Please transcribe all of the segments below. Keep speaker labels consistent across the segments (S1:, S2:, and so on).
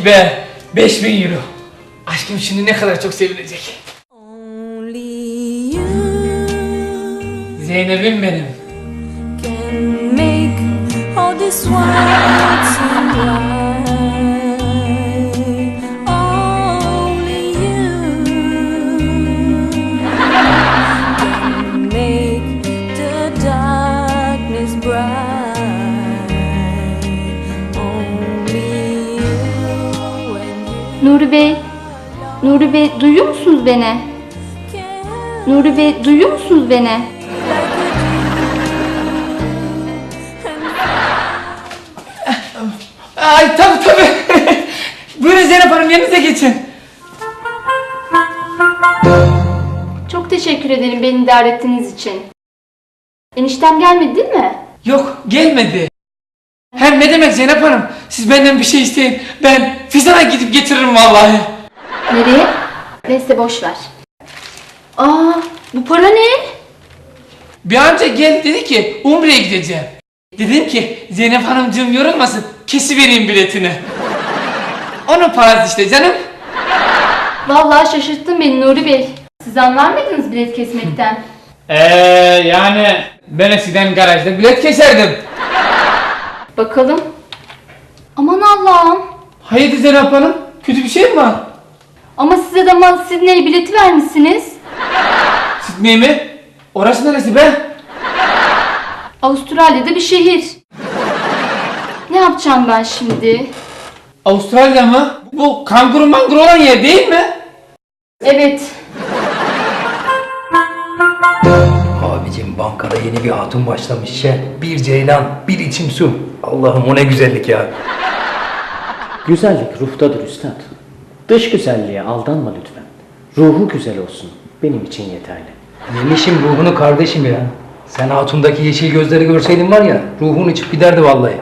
S1: Yes be! 5000 euro. Aşkım şimdi ne kadar çok sevinecek. Zeynep'im benim.
S2: Nuri Bey, Nuri Bey duyuyor musunuz beni? Nuri Bey duyuyor musunuz beni?
S1: Ay tabii. Buyurun Zeynep Hanım, yerinize geçin.
S2: Çok teşekkür ederim beni idare ettiğiniz için. Eniştem gelmedi değil mi?
S1: Yok, gelmedi. Hem ne demek Zeynep Hanım? Siz benden bir şey isteyin. Ben Fizan'a gidip getiririm vallahi.
S2: Nereye? Neyse boş ver. Aa, bu para ne?
S1: Bir amca geldi dedi ki Umre'ye gideceğim. Dedim ki Zeynep Hanımcığım yorulmasın, kesivereyim biletini. Onun parası işte canım.
S2: Vallahi şaşırttın beni Nuri Bey. Siz anlar mıydınız bilet kesmekten?
S1: Yani ben eskiden garajda bilet keserdim.
S2: Bakalım. Aman Allah'ım.
S1: Hayırdır Zeynep Hanım? Kötü bir şey mi var?
S2: Ama size de Sydney bileti vermişsiniz.
S1: Sydney mi? Orası neresi be?
S2: Avustralya'da bir şehir. Ne yapacağım ben şimdi?
S1: Avustralya mı? Bu kanguru manguru olan yer değil mi?
S2: Evet.
S3: Abicim bankada yeni bir hatun başlamış işe. Bir ceylan, bir içim su. Allah'ım o ne güzellik ya.
S4: Güzellik ruhtadır üstad. Dış güzelliğe aldanma lütfen. Ruhu güzel olsun. Benim için yeterli.
S3: Yemişim ruhunu kardeşim ya. Sen hatundaki yeşil gözleri görseydin var ya, ruhun içip giderdi vallahi.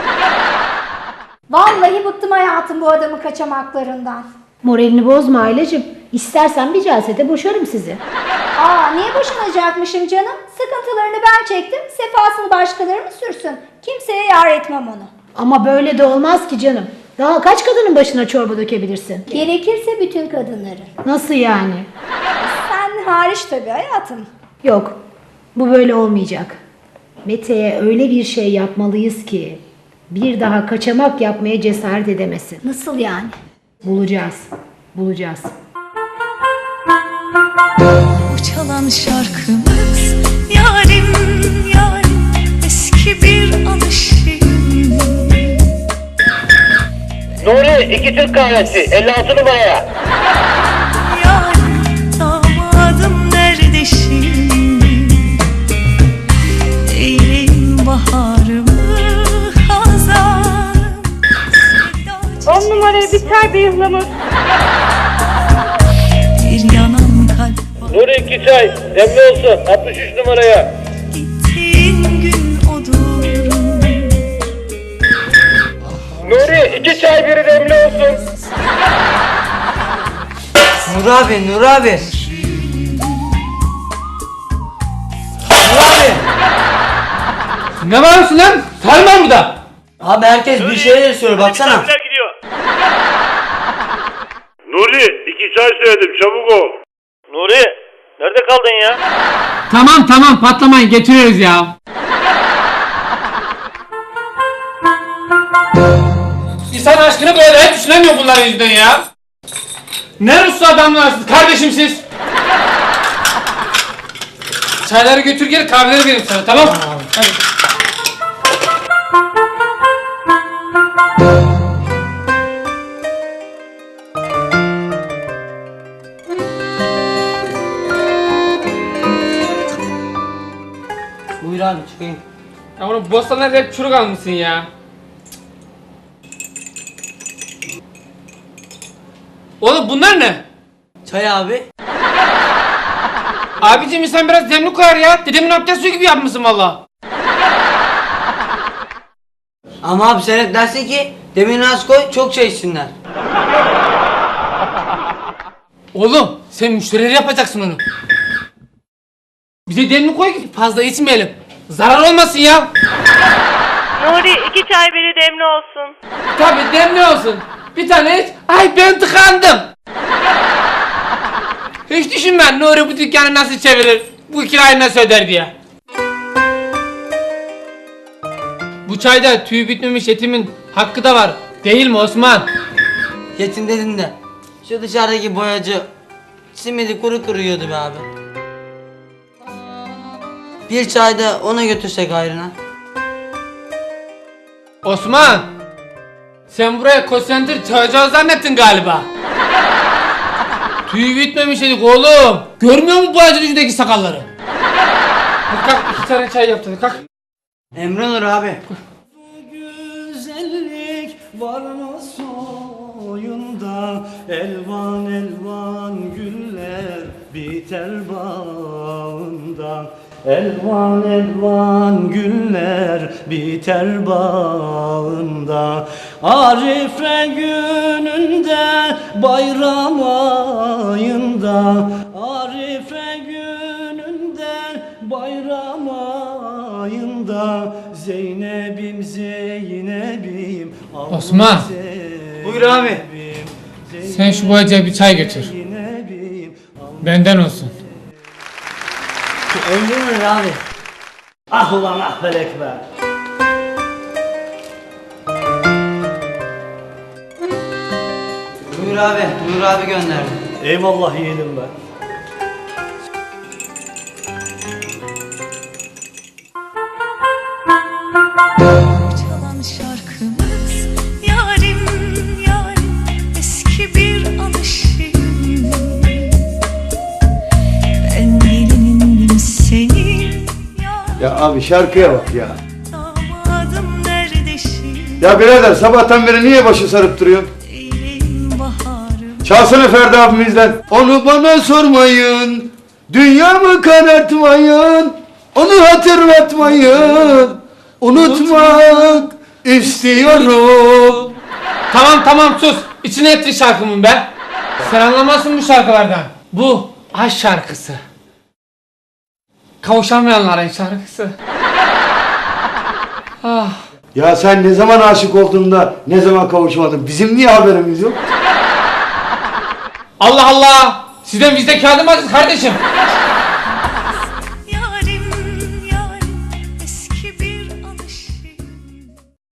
S5: Vallahi bıktım hayatım bu adamın kaçamaklarından.
S6: Moralini bozma Aileciğim. İstersen bir celsede boşarım sizi.
S5: Niye boşanacakmışım canım? Sıkıntılarını ben çektim, sefasını başkaları mı sürsün? Kimseye yar etmem onu.
S6: Ama böyle de olmaz ki canım. Daha kaç kadının başına çorba dökebilirsin?
S5: Gerekirse bütün kadınları.
S6: Nasıl yani?
S5: Sen hariç tabii hayatım.
S6: Yok, bu böyle olmayacak. Mete'ye öyle bir şey yapmalıyız ki bir daha kaçamak yapmaya cesaret edemesin.
S5: Nasıl yani?
S6: Bulacağız.
S7: Bu çalan şarkımız yarim yarim eski bir alışım.
S8: Nuri 2 Türk kahvesi 56 numaraya.
S7: Yarim damadım nerede şimdi? Eyleyim baharımı hazanım.
S9: 10 numaraya biter bir ıhlamur.
S7: Bir yanan kalp var.
S8: Nuri 2 çay demli olsun 63 numaraya.
S7: Gittiğin gün odur.
S8: Nuri 2 çay biri demli olsun.
S10: Nur abi. Nur abi.
S1: Ne bağırıyorsun lan? Sarmam mı da?
S10: Abi herkes bir şeyler söylüyor baksana.
S8: Gidiyor. Nuri 2 çay söyledim çabuk ol. Nuri nerede kaldın ya?
S1: Tamam patlamayın, getiriyoruz ya. İnsan aşkını böyle hep düşünemiyor bunların yüzünden ya. Ne Ruslu adamlarsınız kardeşim siz? Çayları götür gel, kahveleri vereyim sana, tamam? Hadi.
S10: Buyur abi çıkayım.
S1: Ya oğlum bostanlarda hep çürük almışsın ya. Oğlum bunlar ne?
S10: Çay abi.
S1: Abicim insan biraz demli koyar ya. Dedemin abdest suyu gibi yapmışsın valla.
S10: Ama abi sen hep dersin ki demini az koy çok çay içsinler.
S1: Oğlum sen müşterileri yapacaksın onu. Bize demli koy ki fazla içmeyelim. Zarar olmasın ya.
S9: Nuri 2 çay biri demli olsun.
S1: Tabii demli olsun. Bir tane iç. Ay ben tıkandım. Hiç düşünme Nuri bu dükkanı nasıl çevirir, bu kirayı nasıl öder diye. Bu çayda tüy bitmemiş etimin hakkı da var. Değil mi Osman?
S10: Yetim dedin de. Şu dışarıdaki boyacı simidi kuru kuru yiyordu be abi. Bir çay da ona götürsek hayrına.
S1: Osman! Sen buraya konsantre çayacağız zannettin galiba. Tüy bitmemiş edik oğlum. Görmüyor musun bu ağacın ucundaki sakalları? Hadi kalk 2 tane çay yaptın kalk.
S10: Emre olur abi.
S11: Güzellik var mı soyunda, elvan elvan güller biter bağında. Elvan elvan güller biter bağında. Arife gününde, bayram ayında. Arife gününde, bayram ayında. Zeynep'im Zeynep'im.
S1: Osman.
S10: Buyur abi.
S1: Sen şu boyacıya bir çay götür. Benden olsun.
S10: Emre olur abi.
S11: Ah ulan ah felek be.
S10: Buyur abi. Buyur abi gönderdi.
S11: Eyvallah yiğidim be.
S7: Çalan şarkımız yarim yarim eski bir alışım. Ben gelinindim senin
S12: Ya abi şarkıya bak ya.
S7: damadım nerede şimdi?
S12: Ya birader sabahtan beri niye başı sarıp duruyorsun?
S7: Eyleyim baharım.
S12: Çalsana Ferdi abimizden. Onu bana sormayın. Dünyamı karartmayın. Onu hatırlatmayın. Unutmak istiyorum.
S1: Tamam sus. İçine etti şarkımın be. Sen anlamazsın bu şarkılardan. Bu aşk şarkısı. Kavuşamayanların şarkısı. Ah.
S12: Ya sen ne zaman aşık olduğunda ne zaman kavuşmadın? Bizim niye haberimiz yok?
S1: Allah Allah. Sizden bizde kağıdı mı kardeşim?